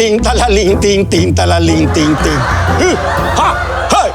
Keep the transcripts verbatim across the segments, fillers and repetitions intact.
ติงตะละลิงติงติงตะละลิงติงติงฮึฮ่าเฮ้ย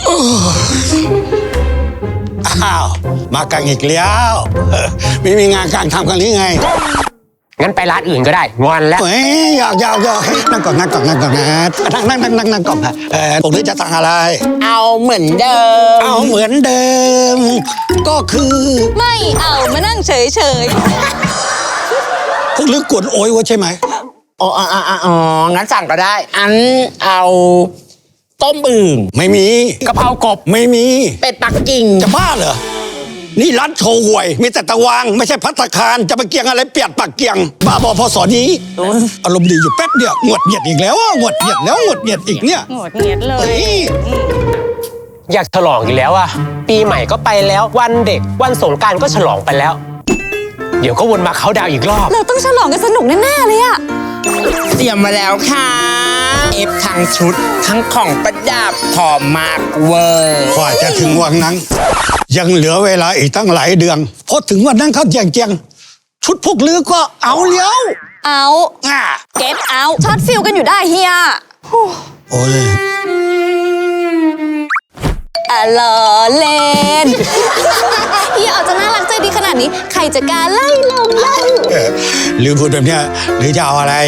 อ้าวมากันอีกแล้วไม่มีงานการทำกันหรือไงงั้นไปร้านอื่นก็ได้งอนแล้วเฮ้ยอยากอยากอยากนั่งก่อนนั่งก่อนนั่งก่อนนะนั่งนั่งนั่งนั่งนั่งก่อนนะเออตรงนี้จะสั่งอะไรเอาเหมือนเดิมเอาเหมือนเดิมก็คือไม่เอามานั่งเฉยเฉยพวกลึกกวนโอยวะใช่ไหมอ๋ออ๋ออ๋องั้นสั่งก็ได้อันเอาต้มอึ่งไม่มีกะเพรากบไม่มีเป็ดปักกิ่งจะบ้าเหรอนี่ร้านโชว์หวยมีแต่ตะวางไม่ใช่ภัตตาคารจะไปเกียงอะไรเปียดปากเกียงบ้าบอพอสอนี้อารมณ์ดีอยู่แป๊บเดียวหงดเหยียดอีกแล้วหงดเหยียดแล้วหงดเหยียดอีกเนี่ยหงดเหยียดเลยอยากฉลองอีกแล้วอะปีใหม่ก็ไปแล้ววันเด็กวันสงกรานต์ก็ฉลองไปแล้วเดี๋ยวก็วนมาเขาดาวอีกรอบเราต้องฉลองกันสนุกแน่ๆเลยอะเตรียมมาแล้วค่ะเอฟทั้งชุดทั้งของประดับพร้อมมากเวอร์กว่าจะถึงวันนั้นยังเหลือเวลาอีกตั้งหลายเดือนพอถึงวันนั้นเขาแจงแจงชุดพวกลือก็เอาเลี้ยวเอาอ่ะเก็ตเอาช็อตฟิลกันอยู่ได้เฮียโอ้ยอะลอเล่นเฮียอาจจะน่ารักใจดีขนาดนี้ใครจะกล้าไล่ลงเล่าหรือพูดแบบเนี้ยหรือจะเอาอะไร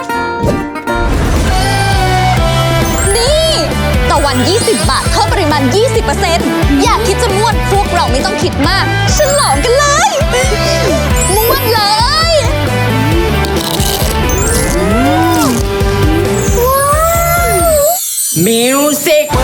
นี่ต่อวันยี่สิบบาทเพิ่มปริมาณ ยี่สิบเปอร์เซ็นต์ อยากคิดจะม่วนพวกเราไม่ต้องคิดมากฉลองกันเลยม่วนเลยมิวสิก